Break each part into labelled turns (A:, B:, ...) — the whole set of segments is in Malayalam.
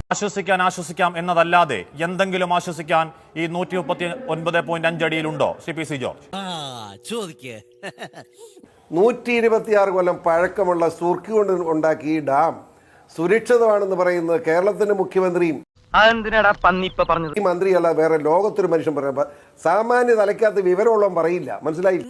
A: ആശ്വസിക്കാം എന്നതല്ലാതെ എന്തെങ്കിലും ആശ്വസിക്കാൻ ഈ 139.5 അടിയിലുണ്ടോ CPC ജോർജ്?
B: 126 കൊല്ലം പഴക്കമുള്ള സുർക്കി കൊണ്ട് ഉണ്ടാക്കിയ ഈ ഡാം സുരക്ഷിതമാണെന്ന് പറയുന്നത് കേരളത്തിന്റെ മുഖ്യമന്ത്രിയും ഈ മന്ത്രിയല്ല വേറെ ലോകത്തൊരു മനുഷ്യൻ പറയാം. സാമാന്യ തലയ്ക്കകത്ത് വിവരമുള്ളവൻ പറയില്ല. മനസ്സിലായി?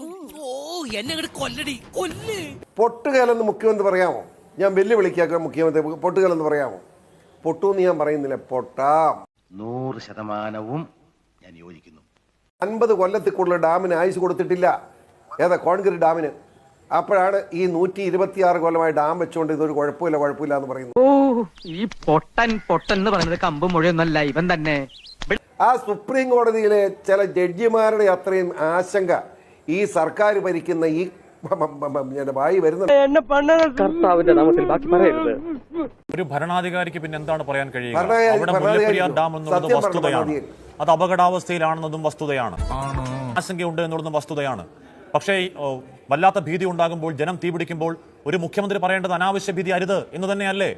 B: പൊട്ടുകേലെന്ന് മുഖ്യമന്ത്രി പറയാമോ? ഞാൻ വെല്ലുവിളിക്കാക്ക മുഖ്യമന്ത്രി പൊട്ടുകേലെന്ന് പറയാമോ? പൊട്ടൂന്ന് ഞാൻ പറയുന്നില്ല, പൊട്ടാം.
C: 100% ഞാൻ യോജിക്കുന്നു.
B: 50 കൊല്ലത്തിൽ കൂടുതൽ ഡാമിന് ആയുസ് കൊടുത്തിട്ടില്ല. ഏതാ? കോൺക്രീറ്റ് ഡാമിന്. അപ്പോഴാണ് ഈ 126 കൊല്ലമായി ഡാം വെച്ചുകൊണ്ട് ഇതൊരു കുഴപ്പമില്ല എന്ന് പറയുന്നത്.
D: ഈ പൊട്ടൻ എന്ന് പറയുന്നത് കമ്പും മുഴയൊന്നല്ല, ഇവൻ തന്നെ.
B: ആ സുപ്രീം കോടതിയിലെ ചില ജഡ്ജിമാരുടെ അത്രയും ആശങ്ക ഈ സർക്കാർ ഭരിക്കുന്ന ഈ വായി വരുന്നത്.
A: ഒരു ഭരണാധികാരിക്ക് പിന്നെ എന്താണ് പറയാൻ കഴിയുക? അവിടെ മുല്ലപ്പെരിയാർ ഡാം എന്നുള്ളത് വസ്തുതയാണ്, അത് അപകടാവസ്ഥയിലാണെന്നതും വസ്തുതയാണ്, ആശങ്കയുണ്ട് എന്നുള്ളതും വസ്തുതയാണ്. പക്ഷേ വല്ലാത്ത ഭീതി ഉണ്ടാകുമ്പോൾ, ജനം തീപിടിക്കുമ്പോൾ ഒരു മുഖ്യമന്ത്രി പറയേണ്ടത് അനാവശ്യ ഭീതി അരുത് എന്ന് തന്നെയല്ലേ?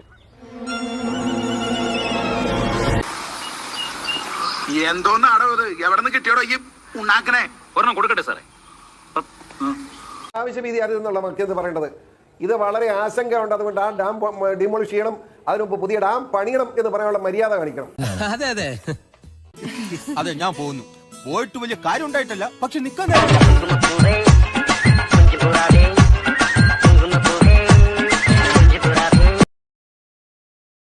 E: എന്തോന്നാടോ ഇത്? എവിടെ നിന്ന് കിട്ടിയോടോ ഈ ഉണ്ടാക്കണേ? ഒരെണ്ണം കൊടുക്കട്ടെ സാറേ.
B: ആവശ്യ ഭീതി അരുതെന്നുള്ള മുഖ്യമന്ത്രി പറയേണ്ടത്. ഇത് വളരെ ആശങ്ക ഉണ്ട്, അതുകൊണ്ട് ആ ഡാം ഡിമോളിഷ് ചെയ്യണം, അതിനുമുമ്പ് പുതിയ ഡാം പണിയണം എന്ന് പറയാനുള്ള മര്യാദ കാണിക്കണം.
F: അതെ, ഞാൻ പോകുന്നു. പോയിട്ട് വലിയ കാര്യം ഉണ്ടായിട്ടല്ല, പക്ഷെ നിൽക്കാൻ